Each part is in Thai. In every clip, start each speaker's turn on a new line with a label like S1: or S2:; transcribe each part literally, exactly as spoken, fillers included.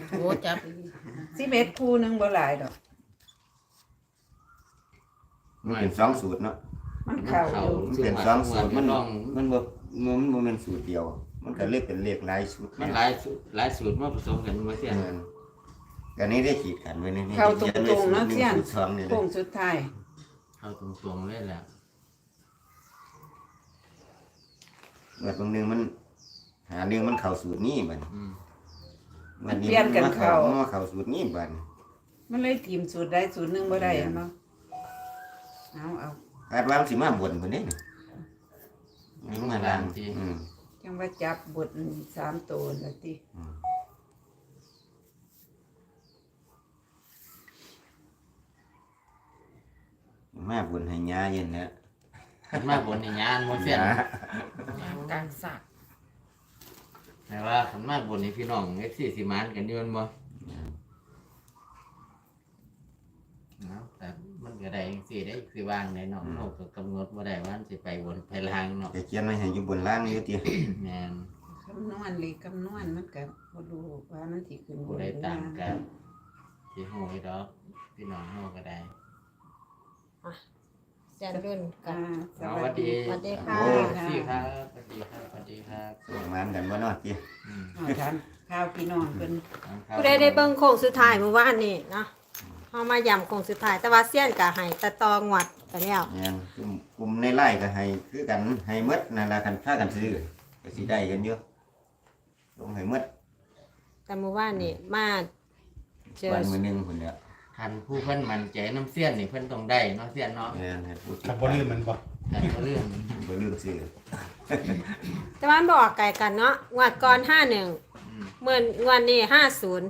S1: โอ้จับ
S2: สิบเอ็ดคู่หนึงบ่หลายดอก
S3: มันเป็นสองสูตรเนาะ
S2: มันเข้าอยู่
S3: มันเป็นสองสูตรมันมันบ่มันบ่แม่นสูตรเดียวมันก็เลยเป็นเลขหลายสูตร
S4: มันหลายหลายสูตรมาผสมกันบ่เสีย
S3: กันนี้ได้ขีดกันไว้ในนี้
S2: เข้าตรงๆเนาะเสียนโค้งสุดท้าย
S4: เข้าตรงๆเลยแหละ
S3: แบบบางนึงมันหาเรื่องมันเข้าสูตรนี้บัด
S2: มันเปลี่ยนกันเข้า
S3: มาเข้าสูตรนี้บัด
S2: มันเลยทีมสูตรใดสูตรหนึ่งบ่ได้เนาะเอาเอา
S3: คาดว่าสิมาบนพุ่นนี่นี่มาล่างอืม
S2: จังว่าจับบทสามตัวละติ
S3: มาบนให้ยาเย็นแล้ว
S4: มาบนในงานบ่เสีย
S1: กลางสัก
S4: แต่ว่าขันมาบนในพี่น้องเอฟซีสิมานกันอยู่บ่แต่มันก็ได้จังซี่ได้คือวางในเนาะเฮาก็กำหนดบ่ได้ว่าสิไปบนไปล่างเนาะ
S3: จะเขียนไว้ให้อยู่บนล่างอยู่ติ
S4: แม่น
S2: คำนวณหรือคำนวณมันก็บ่รู้ว่ามันสิขึ้น
S4: บ่ได้ตามกันสิฮู้อยู่ดอกพี่น้องเฮาก็ได้
S1: แจ้งรุ่นกัน
S4: สวัสดี
S1: สวัสดีค่ะ
S4: สวัสดีครับสวัสดีครับสวัสดีครับ
S3: ส่งมานกันบ่เนาะติ
S2: อืมถามข่าวพี่น้องเพิ่น
S1: ผู้ใดได้เบิ่งโค้งสุดท้ายเมื่อวานนี้เนาะเฮามาย้ำโค้งสุดท้ายแต่ว่าเซียนก็ให้ตะตองวดไปแล้ว
S3: แม่นกลุ่มในไร่ก็ให้คือกันให้หมดนั่นล่ะคันพากันซื้อก็สิได้กันอยู่ลงให้หมด
S1: แต่เมื่อวานนี้มา
S3: เจอวันมื้อนึงพุ่นเนี่ย
S4: คันผู้เพิ่นมั่นใจน้ำเสี้ยนนี่เพิ่นต้องได้เนาะเสี้ยนเนาะ
S3: แม่นให้พูด
S5: ถ้าบ่ลืมมันบ่
S4: คันบ่ลืม
S3: บ่ลืมซื้อ
S1: แต่ว่ามันบ่ออกไกลกันเนาะงวดก่อนห้าสิบเอ็ดเมื่องวดนี้ห้าสิบ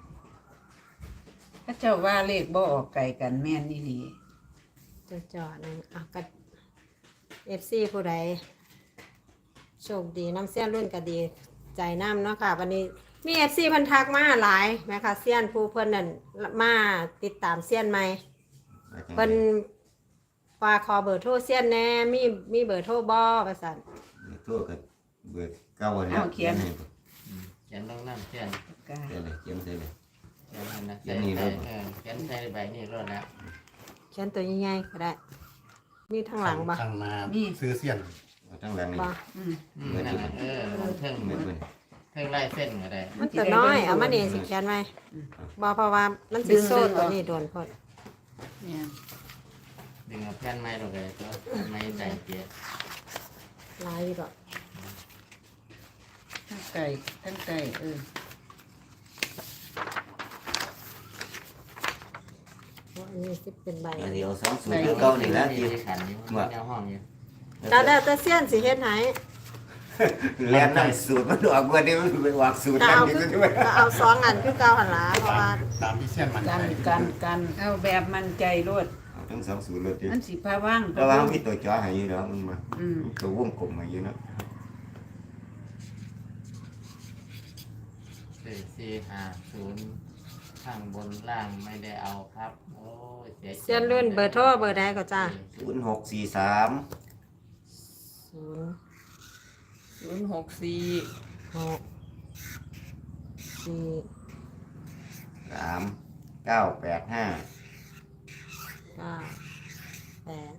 S2: พระเจ้าว่าเลขบ่ออกไกลกันแม่นอีหลี
S1: จ่อๆนึงอ่ะก็ เอฟ ซี ผู้ใดโชคดีน้ำเสี้ยนรุ่นก็ดีใจน้ำเนาะค่ะวันนี้มี เอฟ ซี เพิ่นทักมาหลายแม่ค่ะเสี้ยนผู้เพิ่นนั่นมาติดตามเสี้ยนใหม่เพิ่นฝากขอเบอร์โทรเสี้ยนแน่มีมีเบอร์โทรบ่ว่าซั่น
S3: โทรก็เบอร์เก่าแล้ว
S2: เขียน
S4: เขียนลงน้ำเสี้ยน
S3: เขียนเลยเขียนใส่เลย
S4: เขียนให้นะเขียนนี่เออเขียนใส่ใบนี้รอดแล้ว
S1: เขียนตัวใหญ่ๆก็ได้มีทางหลังบ่
S5: ทางหน้ามีซื้อเสี้ยน
S3: ทางหลังนี่
S4: อืมนั่นน่ะเออเทิงเทิงลายเส้นก็ได้
S1: มันตัวน้อยเอามานี่สิเขียนไว้บ่เพราะว่ามันสิโซ่ตัวนี้โดนพด
S2: เนี่ย
S4: ดึงเอาแผ่นไม้ลงไปตัวไม้ใจเกียร์
S1: ลายอยู่ดอก
S2: ทั้งไก่ทั้งไก่เออ
S1: อันนี้สิเป็นใบ
S3: เดี๋ยวสองสูตรเก่านี่แล้วที่
S4: ขันนี่แนวห้องอยู่
S1: แต่แต่แต่เสี้ยนสิเฮ็ดให้
S3: แล่นนั่นสูตรมันออกบ่ได้มันไปวางสูตรนั่นนี่
S1: ก็ด้วยเอาสองอันคือเก่าหั่นล่ะเพราะว่า
S5: ตามที่เสี้ยนมัน
S2: กันกันกันเอาแบบมั่นใจโลด
S3: เอาทั้งสองสูตรเลยติ
S2: มันสิพาว่าง
S3: แต่ว่ามีตัวจ่อให้อยู่ดอกมันมาอืมตัววงกลมให้อยู่เนาะ
S4: สี่สี่ห้าศูนย์ข้างบนล่างไม่ได้เอาครับโอ้ยเสีย
S1: เสี้ยนรุ่นเบอร์โทรเบอร์ใดก็จ้า
S3: ศูนย์หกสี่สาม
S1: ศูนย์
S2: ศูนย์หกสี่
S1: หกสี่
S3: สามเก้าแปดห้า
S1: เก้าแปด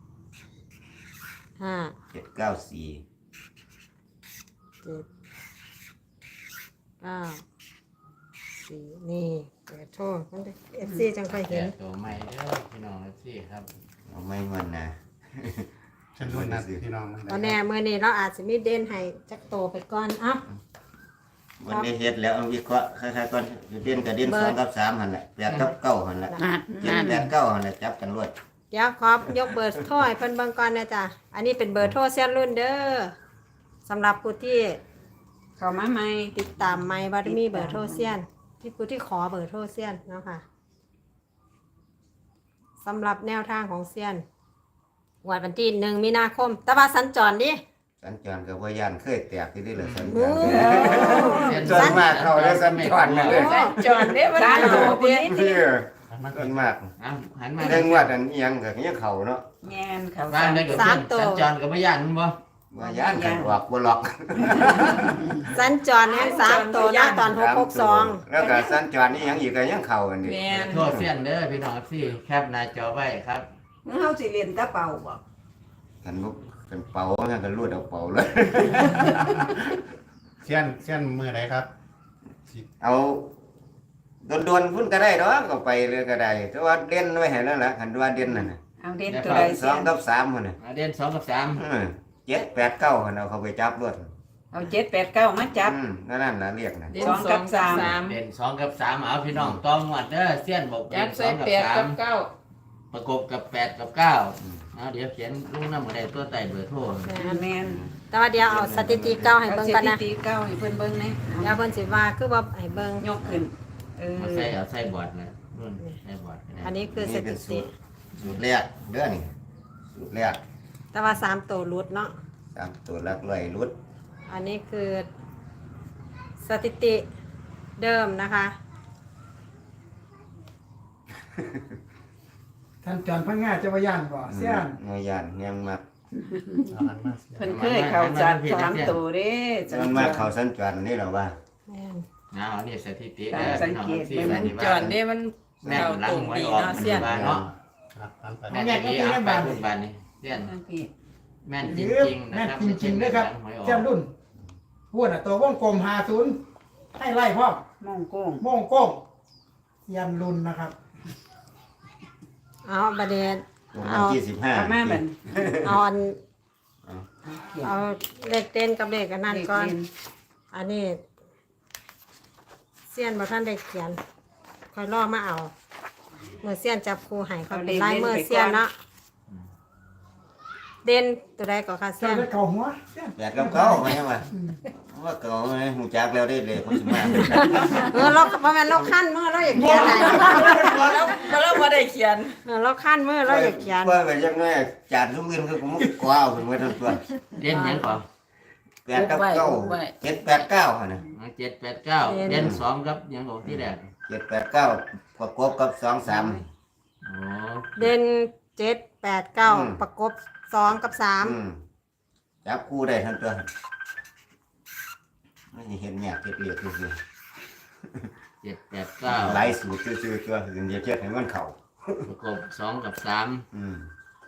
S1: ห้า
S3: เจ็ดเก้าสี่
S1: เจ็ดเก้าสี่นี่เปิดโทรมันเอฟซีจังค่อยเห็น
S4: ตัวใหม่เด้อพี่น้องเอฟซีครับ
S3: เอาไม่เงินนะ
S5: ฉันรู้นะพี่น้อง
S1: ตอนแน่เมื่อนี้เราอาจจะมีเด่นให้จักโตไปก่อนอ่ะ
S3: วันนี้เฮ็ดแล้ววิเคราะห์คล้ายๆก่อนเด่นกับเด่นสองกับสามหั่นแหละแปดกับเก้าหั่นแหละเจ็ดแปดเก้าหั่นแหละจับกันรวด
S1: เดี๋ยวครับยกเบอร์โทรให้เพิ่นเบิ่งก่อนนะจ๊ะอันนี้เป็นเบอร์โทรเสี้ยนรุ่นเด้อสำหรับผู้ที่
S2: เข้ามาใหม่
S1: ติดตามใหม่ว่ามีเบอร์โทรเสี้ยนที่ผู้ที่ขอเบอร์โทรเสี้ยนเนาะค่ะสำหรับแนวทางของเสี้ยนวันที่หนึ่งมีนาคมแต่ว่าสัญจรดิ
S3: สัญจรกับว่ายานเคยแตกที่นี่เลยสัญจรสัญจรมากเข้าแล้วสัญจรเลย
S2: สัญจรเนี่ยมันโหด
S3: เนี่ยมันมาก
S4: หันมา
S3: เรื่องวัดอันยังกับนี้เขาเนาะ
S2: แง่นเขา
S4: บ้านได้กับสัญจรกับว่ายานมั้งบ่
S3: ว่าย่านกันออกบ่หลอก
S1: สัญจรแห่งสามตัวนะตอนหกหกสอง
S3: แล้วก็สัญจรนี่ยังอีกก็ยังเข้ากันดิ
S2: แม่น
S4: โทษเสี้ยนเด้อพี่น้องพี่แคปหน้าจอไว้ครับ
S2: เฮาสิเรียนตะเป่าบ่
S3: กันบ่กันเป่างั้นก็รูดเอาเป่าเลย
S5: เสี้ยนเสี้ยนมือไหนครับสิ
S3: เอาโดนๆพุ่นก็ได้ดอกก็ไปเลยก็ได้แต่ว่าเด่นไว้ให้แล้วล่ะคันว่าเด่นนั่นน่ะ
S2: เอาเด่นตัวใด
S3: ส
S2: เสี
S3: อย ง
S2: น
S3: กับสามพุ่นน่ะ
S4: อ่าเด่นสองกับสาม
S3: เออเจ็ดแปดเก้าหั่นเอาเข้าไปจับรวด
S2: เอาเจ็ดแปดเก้ามาจับ
S3: อืมนั่นนั่นล่ะเรียกน่ะ
S2: สองกับสาม
S4: เด่นสองกับสามเอาพี่น้องต้องหมดเด้อเสี้ยนบอกเด่
S6: จับ
S4: นส
S6: ใส่
S4: องกับ
S6: แปด
S4: สา
S6: กั
S4: ม
S6: บเก้า
S4: ประกบกับแปดกับเก้าเอาเดี๋ยวเขียนลูกน้ำหมดได้ตัวไต่เบอร์โทร
S2: แม่น
S1: แต่ว่าเดี๋ยวเอาสถิติเก้าให้
S2: เอา
S1: เบิ่ง
S2: ส
S1: กัน
S2: ถิ
S1: นะ
S2: ติเก้าให้เพิ่นเบิ่งแหน่
S1: เดี๋ยวเพิ่นสิว่าคือว่าให้เบิ่ง
S2: ยกขึ้นเออ
S4: เอาใส่เอาใส่บอร์ดนะรุ่นใส่บอร์ดก็ได้
S1: อันนี้คือส
S3: นี่เป็
S1: ถิ
S3: นสู
S1: ติ
S3: ตรสูตรแรกเด้อนี่สูตรแรก
S1: แต่ว่าสามตัวรุดเนาะ
S3: ตามตัวหลักร้อยรุด
S1: อันนี้คือสถิติเดิมนะคะ
S7: ท่านจอนพังงาจะว่าย่านบ่เสี้ยน
S3: เงยานยังมัก
S5: เอาหันมาเสี้ยน
S2: เพิ่นเคยเข้าจัดสามตัวเด้
S3: มันมาเข้าสัญจรนี่เราว่า
S1: แม่น
S4: เอาอันนี้สถิติ
S2: การ
S4: เด้อ
S2: สัง
S4: พี่น้อง
S2: เกต
S4: พี่
S2: เบิ่ง
S4: บ้าน
S6: จอนนี่มัน
S4: แม่น
S6: เรา
S4: หลัง
S6: ตรง
S4: หวย
S6: ดี
S4: ออก
S6: เนาะ
S4: มัน
S6: เสี้ยน
S4: บ้านเนาะ
S5: ครับหันไป
S4: แม่นจริงเอาไปพูดบ้านนี่เสี้ยน
S2: ทั้งพี่
S4: แม่นจ
S7: หรือ
S4: ริงๆนะ
S7: แม่น
S4: ครับ
S7: จริงๆนะครับ
S4: หวยออก
S7: เสี้ยนรุ่นพูดน่ะตัววงกลมหาศูนย์ให้ไล่พร้อม
S2: มองโก้ง
S7: โมงโก้งเสี้ยนรุ่นนะครับ
S1: เอาประเด็น
S3: ตรง
S1: เอา
S3: วันที่สิบห้า
S2: เอามาบัด
S1: เอาอัน
S2: เขียน
S1: เอาเลขเต้นกับเลขอันนั้นก่อน อันนี้เสี้ยนบ่ท่านได้เขียนค่อยรอมาเอาเมื่อเสี้ยนจับครูให้เขาเป็นลายมือเสี้ยนเนาะเด่นตัวใดก็ค่ะ
S7: เสี้
S1: เสี้
S7: ย
S1: ย
S7: น
S1: น
S7: ได้เก่าหัวเสี้ยน
S3: แปดกับเก้าไหมวะว่าเก่าไหมหูจักแล้วได้เลยเขาสิมา
S1: เออเราบ่แม่นเราขั้นมือเราอยากเขียนไหน
S6: พอแล้วพอแล้วพอได้เขียน
S1: เออเราขั้นมือเราอยากเขียน
S3: ว่าไปยังไงจานทุกเงินคือผมกว้าวขึ้นมาทั้งตัว
S4: เด่นยังก่อน
S3: แปดกับเก้าเจ็ดแปดเก้าหั่นน่ะ
S4: เจ็ดแปดเก้าเด่นสองครับยังบอกที่แรก
S3: เจ็ดแปดเก้าประกบกับสองสาม
S4: โอ้
S1: เด่นเจ็ดแปดเก้า
S3: อืม
S1: ประกบสองกับสาม
S3: อืมจับคู่ได้ทั้งตัวไม่เห็นเนี่ยเก็บเรียกคือ
S4: เจ็ดแปดเก้า
S3: หลายสูตรชื่อๆตัวอื่นอย่าเทียบให้มันเข้า
S4: ประกบสองกับสาม
S3: อืม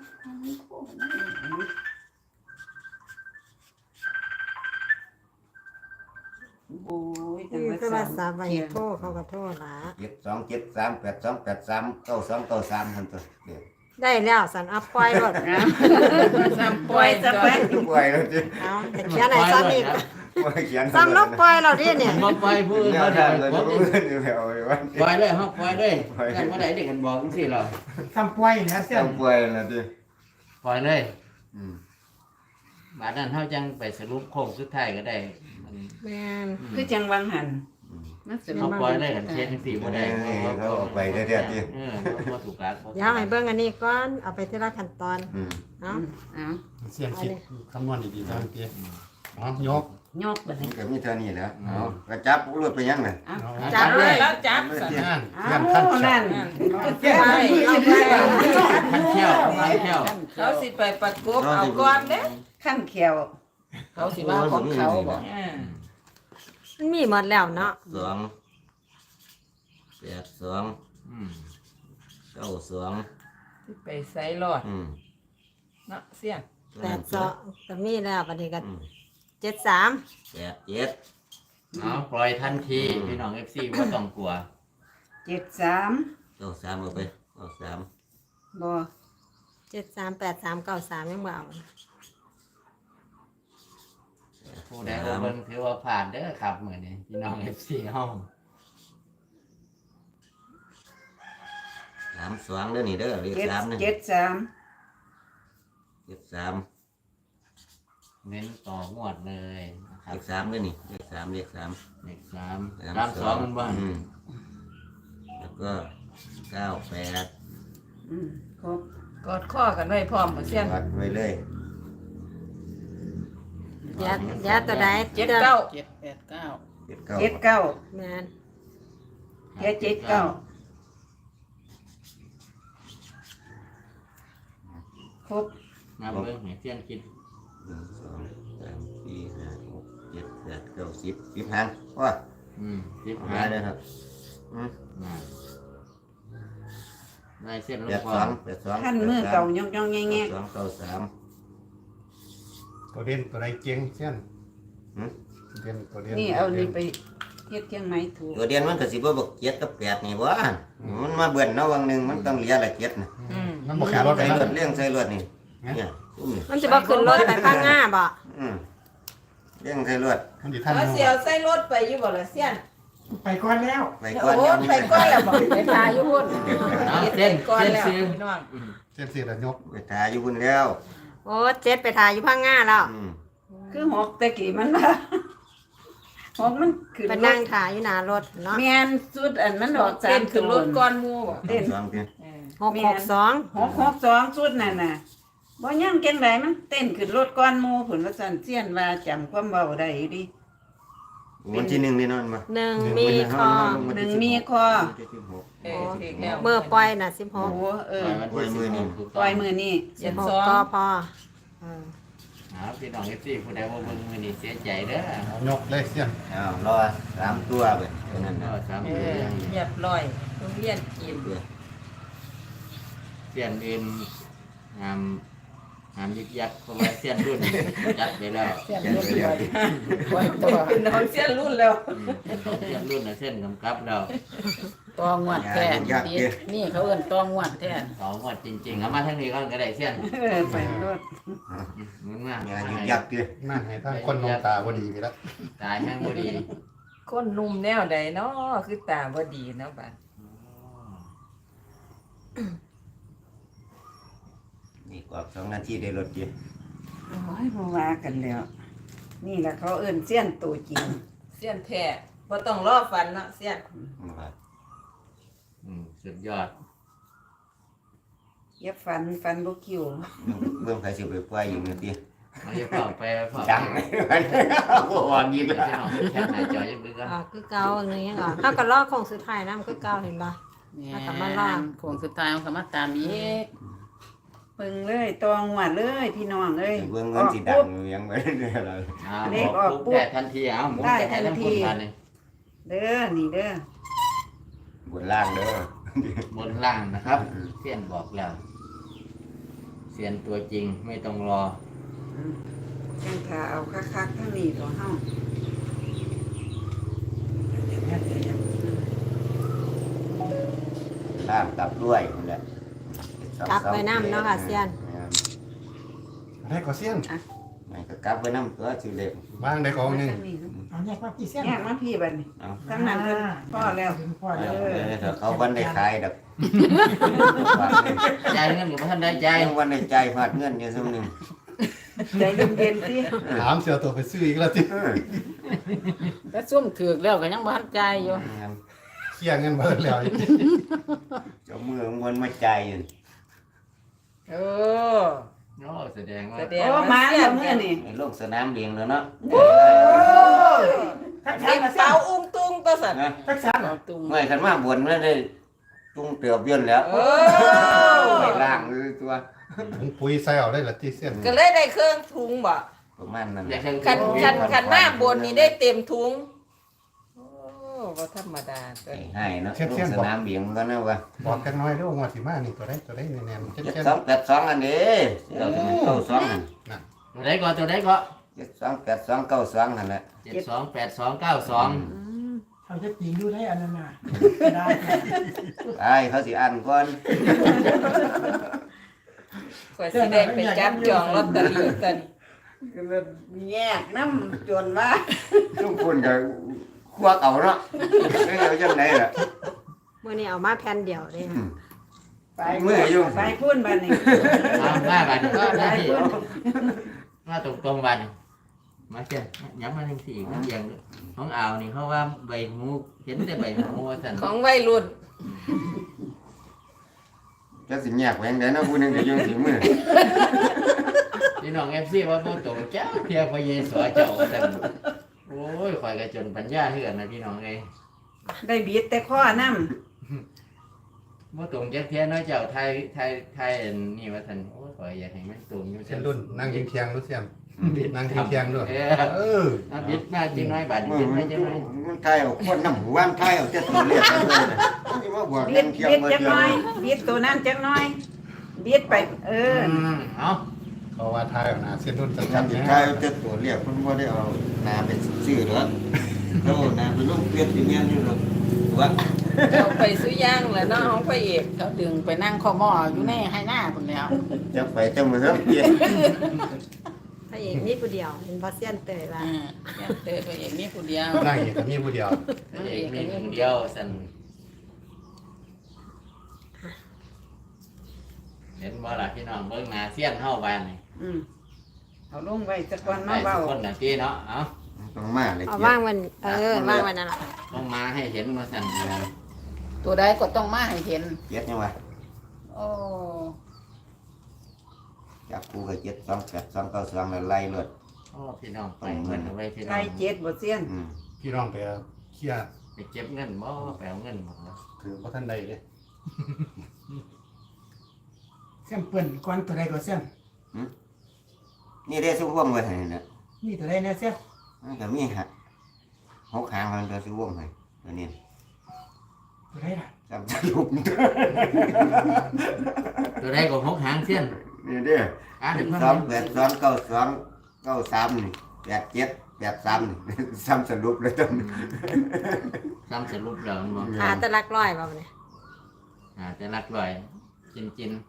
S2: โอ้ยจัง
S1: นี่
S2: หวัด
S1: คือว่าสา
S2: สาม ม
S1: ใบ
S2: เขียน
S1: โทษเขาก็โทษละ
S3: เจ็ดสองเจ็ดสามแปดสองแปดสามเก้าสองเก้าสามทั้งตัวเด็ก
S1: ได้แล้วสันอัพปล่อยรถ
S6: ซ้ำปล่อย
S2: จะ
S6: จะ
S2: ไป
S6: ไป
S3: ปล่อยแล้วจิ
S1: เอาแต่เขียนไหนซ้ำอีก
S3: ปล่อยเขียน
S1: ซ้ำลบปล่อยเราดิเนี่ย
S4: มาปล่อยผู้อื่น
S3: แน
S4: เขา
S3: ว
S4: ได้
S3: ทางเลย
S4: ผม
S3: ผู้อื่นอยู่แล้วไอ้วัน
S4: ปล่อยเลยครับปล่อยเลยกันเมื่อไหร่เด็กกันบอกจังซี่เรา
S7: ทำป่วยเนี่ยเสี้ยน
S3: ต้องปล่อยแล้วจิ
S4: ปล่อยเลย
S3: อืม
S4: บาดนั้นเฮาจังไปสรุปโค้งสุดท้ายก็ได้มัน
S1: แม่น
S2: คือจังวังหัน
S6: มันสิ
S4: เขาปล่อยเลยกันเช็ดจังซี่บ่ได้
S3: เขาออกไปได้เรื่อยๆจิ
S4: เออบ่ถูกหลัก
S1: เดี๋ยวให้เบิ่งอันนี้ก่อนเอาไปทีละขั้นตอน
S3: อืม
S1: เนาะ
S2: เอา
S5: เสี้ยนคิดคำนวณดีๆนะเมื่อกี้อ๋อยก
S2: ยกบัด
S3: มั
S2: นี้
S3: นก็มีเท่านี้แหล้วเอากระจับรวดไปยังไง
S2: เอา
S5: เอา
S1: จับเลย
S6: แล้วจับ
S3: เ
S6: สั่น
S5: นั่น
S2: เอา
S5: เสี้ยนขั้น
S2: นั่น
S7: เสี้ยนมือยังไง
S4: พันเที่ยวพันเที่ยว
S6: เขาสิไปประกบเอาก่อนเด้
S2: ขั้นเขียว
S6: เขาสิว่าของเขาบ่
S2: อ่า
S1: มันมีหมดแล้วเนาะ
S3: สองแปดสอง
S4: อืม
S3: เก้าสอง
S6: สิไปใส่รอด
S3: อืม
S6: เนาะเสี้ยน
S1: แปดสองก็มีแล้วบัดนี้ก็
S3: อืม
S1: เจ็ดสาม
S3: แปดเจ็ด
S4: เอาปล่อยทันทีพี่น้อง เอฟ ซีบ่ต้องกลัว
S2: เจ็ดสาม
S3: เก้าสามเอาไปเก้าสาม
S2: บ่
S1: เจ็ดสามแปดสามเก้าสามยังบ่เอา
S4: ผู้ใดบ่เบิ่งถือว่าผ่านเด้อครับมื้อนี้พี่น้อง เอฟ ซีเฮา
S3: สามสองเด้อนี่เด้อเลข
S2: เจ็ด
S3: สามนี่
S2: เจ็ดสาม
S3: เลขสาม
S4: เน้นต่องวดเลยนะครั
S3: เล
S4: บ
S3: ขสามเด้อนี่เลขสามเลขสาม
S4: เลขสามสามสองมันบ่
S3: อืมแล้วก็เก้าแปด
S2: อืมครบ
S6: กอดข้อกันไว้พร้อมบ่เสี้ยน
S3: วัดไว้เลย
S1: เดี๋ยวเดี๋ยวตัวใด
S6: เจ็ดเก้าเจ็ดแปดเก้า
S3: เจ็ดเก้า
S2: เจ็ดเก้า
S1: แม่น
S2: เจ็ดเจ็ดเก้าครบ
S4: มาเบิ่งให้เสียนคิด
S3: หนึ่งสองสามสี่ห้าหกเจ็ดแปดเก้าสิบสิบหางว่า
S4: อืมสิบ
S3: หา
S4: หา
S3: เลยครับอืม
S4: น่ะได้เส้นล
S3: แป
S4: ง
S3: ด
S4: พอ
S3: สองแปดสอง
S2: ท่านมือเก่าย่องย่องแง่
S3: แป
S2: แง่
S3: ดสองเก้าสาม
S5: ตัวเด่นตัวใดเก่งเสี้ยน
S3: หืม
S5: เด่นตัวเด่น
S2: นี่เอานี่ไปเฮ็ดเชียงใหม่ถูก
S3: ตัวเดียนมันก็สิบ่บอกเจ็ดกับแปดนี่วะมันมาเบิ่นเนาะวังหนึ่งมันต้องเหลียละเจ็ดนะ
S6: อืม
S5: มันบ่ขาดรถไป
S3: ใส่
S5: นะ
S3: รถเลี้ยงใส่รถนี่เนี่ยอุ้มนี่
S1: มันจะบ่ขึ้นรถไปข้างหน้าบ่
S3: อืมเลี้ยงใส่รถ
S5: มันสิทัน
S6: เอาเสียวใส่รถไปอยู่บ่ล่ะเสี้ยน
S7: ไปก่อนแล้ว
S3: ไปก่อน
S6: โอ้
S3: ยัง
S6: ไปก่อนแล้วบ่ไปทาอยู่พุ่น
S4: เอาเส้น
S6: ก่อน
S4: เส้น
S6: แล้ว
S4: ซื้อ
S6: พี่น้อง
S5: เส้นสีระยก
S3: ไปทาอยู่บุญแล้ว
S1: โอ้เจ็ดไปถ่ายอยู่ข้างหน้าแล้ว
S3: อืม
S2: คือหกตะกี้มันว่าหกมันขึ้น
S1: ไป
S2: ร
S1: นั่
S2: ถ
S1: งถ่ายอยู่หน้ารถเนาะ
S2: แม่นสุดอันมันออก
S6: เต้นขึ้นรถก่อนหมู่บ่
S3: เต้นสองที
S6: เออ
S1: หกหกสอง
S2: หกหกสองสุดนั่นน่ะบ่ยังเก่งไดมันเต้นขึ้นรถก่อนหมู่ผุนว่าซั่นเสียนว่าจำความเว้าได้อยู่ดิ
S3: วันที่หนึ่งนี่นอนมา
S1: หนึ่งมีคอ
S2: หนึ่งมีคอ
S6: เออถึงแล้ว
S1: เมื่อปล่อยน่ะสิบห
S2: โอ้
S1: ก
S2: โหเออ
S3: ปล่อยมือนี่
S2: ปล่อยมือนี่
S1: สิ
S6: เจ็
S1: บ
S6: ด
S1: หก
S6: สอง
S1: ก็พอเออ
S4: เอาพี่น้องเอฟซีผู้ใดว่าเบิ่งมื้อนี้เสียใจเด้อ
S5: เอายกเลยเสี้ยน
S3: อ้าวรอสามตัวไปเท่านั้น
S4: ก็
S3: นะ
S4: สาม
S6: เอ
S4: ตัว
S6: อ
S4: ยัง
S6: เรียบร้อยโรงเรียนกิน
S4: เสี้ยนอื่นงามงามยึกยักเพราะว่าเสี้ยนรุ่นจัดไปแล้ว
S6: เสี้ยนรุ่นไปปล่อยตัวเป็นน้องเสี้ยนรุ่นแล้ว
S4: อืมเสี้ยนรุ่นน่ะเส้นกำกับแล้ว
S6: ตองวดแท้นี่เขาเอิ้นตองวดแท้
S4: สองงวดจริงๆเอามาทางนี้ก่อนก็ได้เสี้ยน
S2: เออไปรถ
S4: มึงมาง
S3: านยุกยักษ์ดิ
S5: นั่นให้ทั้งคนนองตาบ่ดีไปแล้ว
S4: ตายแห้งบ่ดี
S6: คนหนุ่มแนวใดเนาะคือตาบ่ดีเนาะบัด
S3: นี่กว่าสองนาทีได้รถดิ
S2: โอ้ยบ่ว่ากันแล้ว นี่แหละเขาเอิ้นเสี้ยนตัวจริง
S6: เสี้ยนแท้บ่ต้องรอฟันเนาะเสี้ยน
S4: อืมสุดยอด
S2: เย็บฟันฟันบ่คิว
S3: เบิ่งใครสิไปปล่อยอยู่นี่ติ
S4: เอาอย่าเฝ้าไปเฝ้า
S3: ดังโอ้วยิง
S4: ไป
S3: แล้ว
S4: พี่น้องแค่หน้าจอยังดึกอ่ะ
S1: ออกคือเก่าอันนี้ยังออกเท่ากับลอกของสุดท้ายน้ำคือเก่าเห็นปะ แล้วก็มาลาก
S6: โค้งสุดท้ายมันก็มาตามอีก
S2: เบิ่งเลยตองหวดเลยพี่น้องเอ้ย
S3: เบิ่งเงินสิดังอยู่ยังไม่ได้เลย
S4: อ่า
S2: เลข
S4: บอก
S2: ออก
S4: ปุ๊บ
S2: ปุ๊บ
S4: ได้ทันทีเอาหมุน
S2: ได้
S4: ไปให้
S2: ทั
S4: ทั้
S2: น
S4: ง
S2: ที
S4: คนกันเลย
S2: เด้อนี่เด้อบ
S3: นล่างเด้อบ
S4: นล่างนะครับเสียนบอกแล้วเสียนตัวจริงไม่ต้องรอ
S2: จังถ้าเอาคักๆทั้งนี้ตัวเฮา
S3: ล่างกลับด้วยนั่นแหละ
S1: กลับไปน้ำเนาะค่ะเซียน
S5: ได้ก็เสี้ยน
S3: มันก็กลับไปน้ำตัวสิเล็ก
S5: วางได้ก็หนึง
S2: ทั้งนี้
S7: เอาแยกมากี่เส้น
S2: แยกมาพี่บัดนี้
S3: เอา
S2: ทั้งนั้นเพิ่นพ่อแล้ว
S7: พ่อ
S3: เดี๋
S7: แล้
S3: ยว วเดี๋ยวเขาวันได้ขายดอก
S4: จ่ายเงินกับท่านได้
S3: ใจ
S4: จ่าย
S3: วันได้ใจฟาดเงินอยู่ซุมนึง
S2: ใจเย็นๆสิ
S5: ถามเสียตัวไปซื้ออีกแล้วติ
S3: เออ
S6: แล้วซุ่มถือกแล้วก็ยังบ่ทันใจายอยู่
S5: เคลียร์เงินเบิดแล้ว
S3: เจ้ามือมันมาใจอยู่
S6: เออ
S4: โอ้แสดงว่า
S6: แสดง
S2: โอ้มาแล้วมื้อนี่
S3: ไอ้โลกสนามเลี้ยงแล้วเนาะ
S7: ทักษะ
S6: เด็ก
S7: มา
S6: สาวอุ้งตุ้งตัวสัตว์
S3: นะ
S7: ทักษะ
S6: สาวตุ้ง
S3: เมื่อขันมาบนไม่ได้ตุ้งเตือบย่นแล้ว
S6: เออ
S3: ไปล่างเลยตัว
S5: ถุงปุ๋ยใส่เอาได้ละติเสี้ยน
S6: ก็เลยได้เครื่องทุงบ่
S3: ประมาณนั้น
S4: อยาก
S3: นะ
S4: เชิญ
S6: คันคันคันมาบนนี่ได้เต็มทุงโอ้บ่ธรรมดาตัว
S3: ไอ้
S6: นี้
S3: ให้เนาะโลกสนามเลี้ยงก็นะวะ
S5: บอกกันน้อยเด้อว่าสิมานี่ตัวใดตัวใดแน่นๆ
S3: เจ็ด
S5: เจ็ด
S3: สองแปดสองอันนี้เราจะเข้าสอง
S4: ตัวใดก่อนตัวใดก่อน
S3: เจ็ดสองแปดสองเก้าสองนั่นแหละ
S4: เจ็ดสองแปดสองเก้าสอง
S7: เขาจะจริงดูได้อันนั้นน่ะได้
S3: ไอ้เขาสิอ่านก่อน
S6: กว่าสิได้ไปจับจองลอตเตอรี่กัน
S2: ก็เลยแยกน้ำจนว่า
S3: ทุกคนก็ควักเอาเนาะไม่เอาจังไหนล่ะ
S1: มื่อนี้เอามาแผ่นเดียวเลย
S3: อืม
S2: ไป
S3: มืออยู่
S2: ไปพุ่นบัดนี้
S4: มามาบัดนี้
S2: ไป
S4: มาที่
S2: พุ่น
S4: มาตรงตรงๆบัดนี้มาเช่นย้ำมาหนึ่งสี่อีกน้ำเยียงด้วยของอ่าวนี่เขาว่าใบหูเห็นแต่ใบหูว่าสัน
S6: ของวัยรุ่น
S3: จะสิแยกแหวงได้เนาะผู้หนึงก็อยู่ที่มือ
S4: พี่น้องเอฟซีว่าโมตรงจ้าเพียพระเยซูเจ้าสันโอ้ยคอยกระจนปัญญาเถื่อนนะพี่น้องเอ้ย
S2: ได้บีดแต่ข้อน้
S4: โมตรงจักเทียน้อยเจ้าไทยไทยไทยอันนี่ว่าสันโอ้ยคอยอยากให้มันตรงอยู่
S5: เส้นรุ่นนั่งยิงเคียงรู้เสี้ยนนั่งเที่ยงๆด้วย
S4: เอ
S5: เอ
S4: อ
S5: อ
S4: น้ำบิดมาจริงน้อยบาด
S3: มึ
S4: บิ
S3: ง
S4: ด
S3: มั
S4: มาน จังน้อย
S3: มันไทยเอาคนน้ำหัวมันไทยเอาเจ็ดตัวเรียกกันเลยนะมันจะมาบวก
S2: บิ
S3: ยั
S2: ด
S3: งเทียม
S2: บิด
S3: มา
S2: จัก
S3: เทีย
S2: ห
S3: ม
S2: น้อยบิดตัวนั้นจักหน้อยบิดไป เออ
S4: เอา
S5: เพราะว่าทายเอาหน้าเส้นรุ่นจั
S3: จั
S5: ด
S3: บ
S5: ๆ
S3: สิ
S5: นะ
S3: ไทยเอาเจ็ดตัวเรียกมันว่าได้เอานาเป็นชื่อหรอกเขาเอานาเป็นลูกเปลี่ยนที่เมียนอยู่หรอกวะ
S6: เอาไปซื้อย่างแหล้วเนาะของพระเอกเขาดึงไปนั่งคอหม้ออยู่ในให้หน้าคนแล้ว
S3: จะไปจังมือเริ่มเปลี่ยน
S1: พระเอกนี่ผู้เดียวเห็นบอเซียนเตยว่า
S6: อ่าเนี่ยเตอพระเอกมีผู้เดียว
S5: นั่งเอกก็มีผู้เดียว
S4: เอกมีคนเดียวสั่นเห็นบ่ล่ะพี่น้องเบิ่งหน้าเสี้ยนเฮาบ้านนี่
S2: อืมเอาลงไว้สักวัน
S4: ได้
S2: มาเบา
S4: ทุกคนน่ะพี่เนาะเอา
S3: ต้องมาเลย
S1: เอา
S3: เกีย
S1: ว่าง
S3: รติ
S1: วันเออว่างวันนั่นแหละ
S4: ต้องมาให้เห็นมาสั่น
S6: ตัวใดก็ต้องมาให้เห็น
S3: เจ็ดยังวะ
S6: โอ้
S3: จับกูกับเจ็ดสองแปดสองเก้าสองแล้วไล่เลย
S4: โอ้พี่น้องไปเงินเอาไว้พี่น้อ
S2: ไก่
S4: ง
S2: เจ็ดบ่เซียน
S3: อืม
S5: พี่น้องไปเคลียร์
S4: ไปเก็บเงินบ่ไปเอาเงินบ่
S5: ถือว่าท่านใดเด้
S7: เส้นเปื้อนก้อนตัวใดก็เส้น
S3: นี่ได้ซุ้มว่องไว้ให้นะ
S7: นี่ตัวใดเนี่ยเส้น
S3: มันก็มีฮะหกหางมันก็ซุ้มว่องให้ตัวนี้
S7: ตัวใดล่ะ
S3: จำจะลุก
S4: ตัวใดก็หกหางเสี้ยน
S3: นี่เด้อ
S4: อ่านให้เพิ่น
S3: สองแปดสองเก้าสองเก้าสามนี่แปดเจ็ดแปดสามนี่ ซ้ำสรุปเลยจำ
S4: ซ้ำสรุปแล้วมันบ่
S1: หาแตะลักร้อยบ่เนี่ย
S4: อ่าจะรักร้อยจินจิน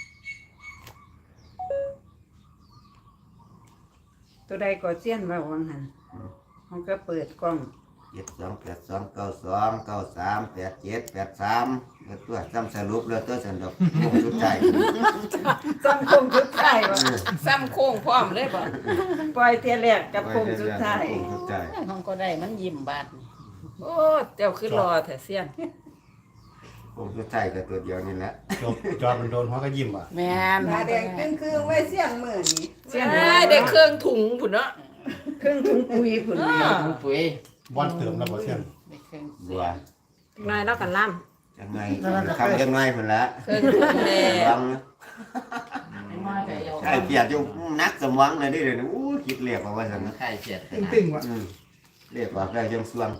S2: ตัวใดก็เซียนว่าวังหันมันก็เปิดกล้อง
S3: เจ็ดสองแปดสองเก้าสองเก้าสามแปดเจ็ดแปดสามแล้วตัวซ้ำสรุปแล้วตัวสันดอกโค้งสุดท้าย
S2: ซ้ำคงสุดท้ายว่า
S6: ซ้ำโค้งพร้อมเลยบ่
S2: ปล่อยเทียแรกกับคงสุดท้าย
S3: โค้งสุดท้าย
S6: ของก็ได้มันยิ้มบาดนี่โอ้เจ้าคือรอแท้เสียน
S3: โค้งสุดท้ายก็ตัวเดียวนี่แหละ
S5: จบจอดมันโดนหัวก็ยิ้มอ่ะ
S6: แม่น
S2: หน้าแดงเป็นเครื่องไว้เสียงมือนี่เสียง
S6: ได้ได้เครื่องถุงพุ่นเนาะ
S2: เครื่องถุงปุ๋ยผุน
S6: อ่า
S2: นี่
S4: ถุงปุ๋ย
S5: บอนเติมแล้วบ่เส้น
S6: ได้เครื่อง
S3: บัว
S1: นายแล้วกันล่
S3: ยังไงคำยังไงผลละ
S6: เครื่องถุงแม่
S3: ลองนะใช่เปียกอยู่นักสมองเลยดิเลยอู้คิดเรียกว่าสันนะ
S4: ไข่เสียด
S7: ตึงตึงว่ะ
S3: อืมเรียกว่าได้ยังส่วง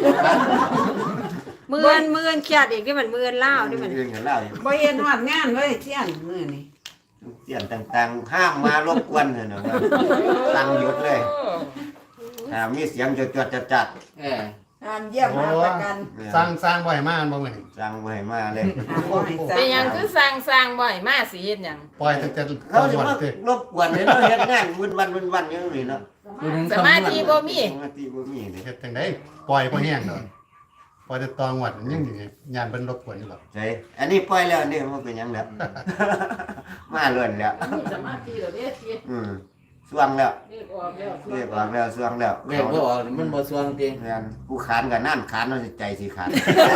S1: ำมืออนมืออนเครียดอีกที่มันมืออนเล่าวที่มัน
S3: เรื่องกันเล่าอยู่
S2: บ่เห็นฮอดงานเลยเสียงมือนี่
S3: เสียนต่างๆ ห้ามมารบกวนเลยนะว่าตั้งหยุดเลยถ้ามีเสียงจดจดจัดจัด
S4: เออ
S2: ห้ามเยี่ยมห้ามประกัน
S5: สร้างสร้างบ่ให้มาอันบ่แม่น
S3: สั่งไว้มาเลย
S2: ห้ามบ่ให้สั่
S6: เป็นหยังคือสร้างสร้างบ่อยมาสิเฮ็ดหยัง
S5: ปล่อยตั้งแต่ต
S3: เขา
S5: อน
S3: จะ
S5: วัน
S3: มา
S5: เด้อ
S3: รบกวนเลยเนาะเฮ็ดงานวุ่นวันวุ่นวันอย่างนี้เนาะ
S6: สมาธิบ่มี
S3: สมาธิบ่มีเลย
S5: เฮ็ดจังได๋ปล่อยบ่แห้งดอกปล่อยแต่ตอนวัดยังอยู่ยานเพิ่นรบกวนอยู่หรอก
S3: ใช่อันนี้ปล่อยแล้วนี่มันเป็นหยังแล้ว มาเลื่อนแล้ว
S6: สมาธิเหรอเด้สิ
S3: อืมสวงแล้ว
S6: เรียกออกแล้ว
S3: เรียกออกแล้วสวงแล้ว
S4: เรียกบ่ออกมันบ่สวงจริง
S3: งานกูขานกับนั่นขานมันสิใจสิขาด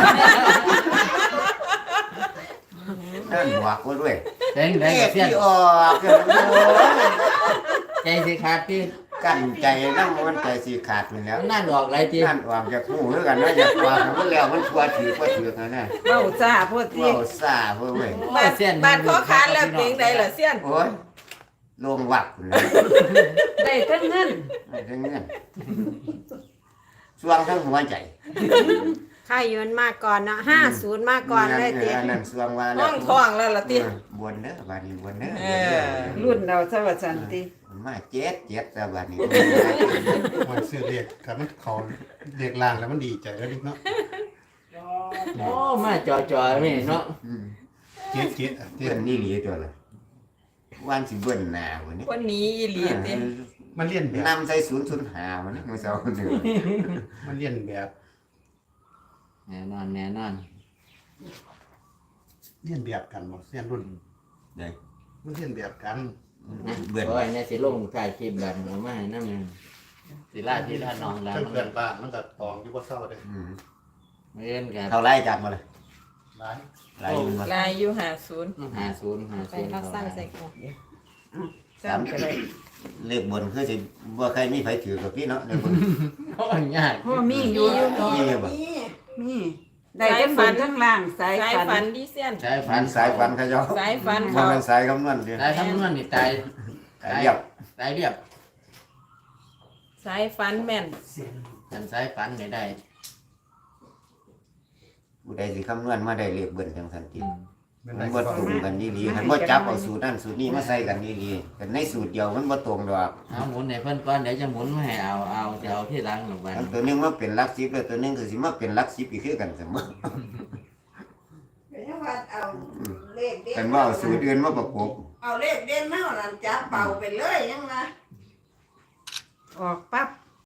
S3: นั่นหัวกูด้วย
S4: เต็งได้กับเสี้ยน
S3: ที่ออกเกินโอ้ย
S4: ใจสิขาดที่
S3: กั้นใจนั่งมันใจสิขาดไปแล้ว
S4: นั่นออกหลายที
S3: นั่นออกจากหูคือกันนะอยากว่ามันแล้วมันชัวถือว่าถือกันนะ
S2: เว้าซ่าโพดที่
S3: ว้าวซ่าเว้ยเว้ย
S6: บาดบาดขอคานแล้วเพลงใดล่ะเสียน
S3: โอ้ยลงวักเลย
S2: ได้ทั้งเงิน
S3: ไม่ทั้งเงี้ยสวงทั้งหัวใจ
S1: ค่ายยืนมาก่อนเนาะห้าศูนย์มาก่อนเลยเตี้ย
S3: อันนั่นสวงว่าแล้
S6: ห้
S3: ว
S6: องทองแล้วล่ะติ
S3: บวนเด้อบาดนี้บวนเด้อ
S6: เออ
S2: รุ่นเราสวัสดิ
S3: มาเจ็ดเจ็ดแต่บาดนี้
S5: มันซื้อเลขถ้ามันเข้าเลขล่างแล้วมันดีใจแล้วนิดเนาะ
S4: โอ้มาจ่อๆนี่เนาะ
S3: อืม
S5: เจ็ดเจ็ดอ่ะเจ็
S3: เบิ้
S5: ด
S3: นนี่หลีตัวละวันสิเบิ้นหน้าวันนี้
S6: วันนี้อีหลีติ
S5: มันเลียนแบบ
S3: นำใส่ศูนย์ศูนย์หาวันนี้มันเสาร์หนึ่ง
S5: มันเลียนแบบ
S4: แน่นอนแน่นอน
S5: เลียนแบบกันบ่เส้นรุ่น
S3: เด้อ
S5: มันเลียนแบบกัน
S3: เบิ้น
S4: โอ้ยเนี่ยสิลงถ่ายคลิปแบบเอามาให้นำสิลาที่ลาน้องแล้ว
S5: เพิ่น
S4: มัน
S5: เกิดบ้านมันก็ตองอยู่บ่เศร้าเด้
S3: อืม
S4: เอิ้นกัน
S3: เท่าไรจับมาเลย
S5: หลาย
S3: หลายอยู่มา
S6: ลายอยู่ห้าศูนย์
S4: หาศูนย์หา
S1: ไป
S4: ศูนย์
S1: เราสร้างใส่กล่อง
S2: สามก็ได้
S3: เลขบนคือสิบ่ใครมีไผถือกับพี่เนาะเลขบน
S4: โอ้ยยาก
S2: พ่อมีอยู่
S3: มีอยู่บ่
S2: มีได้ทั้งบนทั้งล่างสาย
S6: สาย
S2: ฝั
S6: ฝั
S2: น
S6: นดิเสียน
S4: ใช้
S3: ฝั
S4: ฝั
S3: น
S4: น
S3: สายฝันเขาเจ้า
S6: สายฝัน
S3: บ่
S6: เขา
S3: แม่นสายคำนวณเด้อ
S4: ได้คำนวณนี่ตาย
S3: สายเรียบ
S4: ตายเรียบ
S6: สายฟันแม่น
S4: กันสายฝันไม่ได้
S3: ผู้ใดสิคำนวณมาได้เลขเบิ่นจังซั่นติ
S5: เป็น
S3: มั
S5: ไร
S3: น
S5: ก็
S3: บ่ตรงกันดีๆคันบ่จับเอาสูตรนั้นสูตรนี้มาใส่กันดีๆกันในสูตรเดียวมันบ่ตรงดอก
S4: เอาหมุนให้เพิ่นก่อนเดี๋ยวจะหมุนมาให้เอาเอาจะเอาที่หลังลงไป
S3: อันตัวหนึงมาเป็นหลักสิบแล้วตัวหนึงก็สิมาเป็นหลักสิบอีกคือกันเสมอ
S2: ก็ยังว่าเอาเลขเด่น
S3: กันว่าเอาสูตรอื่นมาประกบ
S2: เอาเลขเด่นมาเอานั่นจับเป่าไปเลยยังว่า
S1: ออกปั๊บ